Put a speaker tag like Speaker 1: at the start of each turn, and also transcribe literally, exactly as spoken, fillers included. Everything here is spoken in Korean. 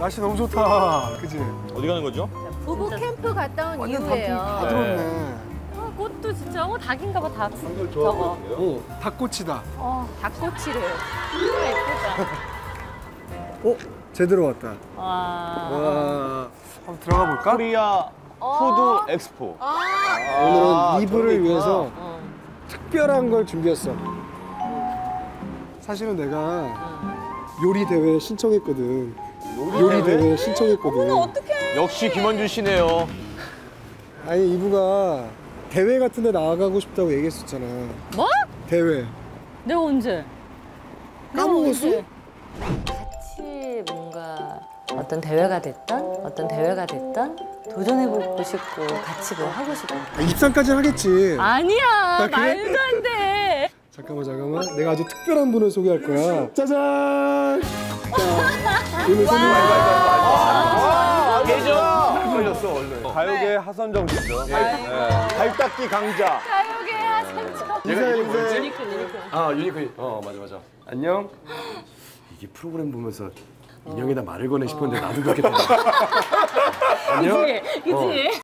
Speaker 1: 날씨 너무 좋다. 그치?
Speaker 2: 어디 가는 거죠?
Speaker 3: 부부 캠프 갔다 온
Speaker 1: 완전
Speaker 3: 이후예요.
Speaker 1: 단풍 다 들었네.
Speaker 3: 어, 꽃도 진짜 어 닭인가 봐 닭.
Speaker 2: 한글
Speaker 3: 저거.
Speaker 1: 오, 닭꼬치다.
Speaker 3: 어 닭꼬치를. 진짜 예쁘다.
Speaker 1: 어? 제대로 왔다.
Speaker 3: 와.
Speaker 1: 와. 한번 들어가 볼까?
Speaker 2: 코리아
Speaker 3: 어.
Speaker 2: 푸드 엑스포.
Speaker 3: 아.
Speaker 1: 오늘은 이브를 위해서
Speaker 3: 어.
Speaker 1: 특별한 걸 준비했어. 사실은 내가 요리 대회 신청했거든. 요리 대회 신청했거든.
Speaker 3: 어떡해.
Speaker 2: 역시 김원준 씨네요.
Speaker 1: 아니 이브가 대회 같은 데 나가고 싶다고 얘기했었잖아.
Speaker 3: 뭐?
Speaker 1: 대회.
Speaker 3: 내가 언제?
Speaker 1: 까먹었어?
Speaker 4: 같이 뭔가 어떤 대회가 됐던 어떤 대회가 됐던 도전해보고 싶고 같이 뭐 하고 싶고.
Speaker 1: 아, 입상까지는 하겠지.
Speaker 3: 아니야.
Speaker 1: 그래?
Speaker 3: 말도 안 돼.
Speaker 1: 잠깐만 잠깐만. 내가 아주 특별한 분을 소개할 거야. 짜잔. 자, 오늘 손님
Speaker 2: 계정 걸렸어 얼른. 가요계 하선정 씨죠. 발닦기 강자.
Speaker 3: 가요계 하선정.
Speaker 1: 인사해 인사해.
Speaker 5: 아 유니콘. 어 맞아 맞아. 안녕. 이게 프로그램 보면서 인형에다 말을 거네 싶었는데 나도 그렇게 됐네. 안녕.
Speaker 3: 그치? 그치?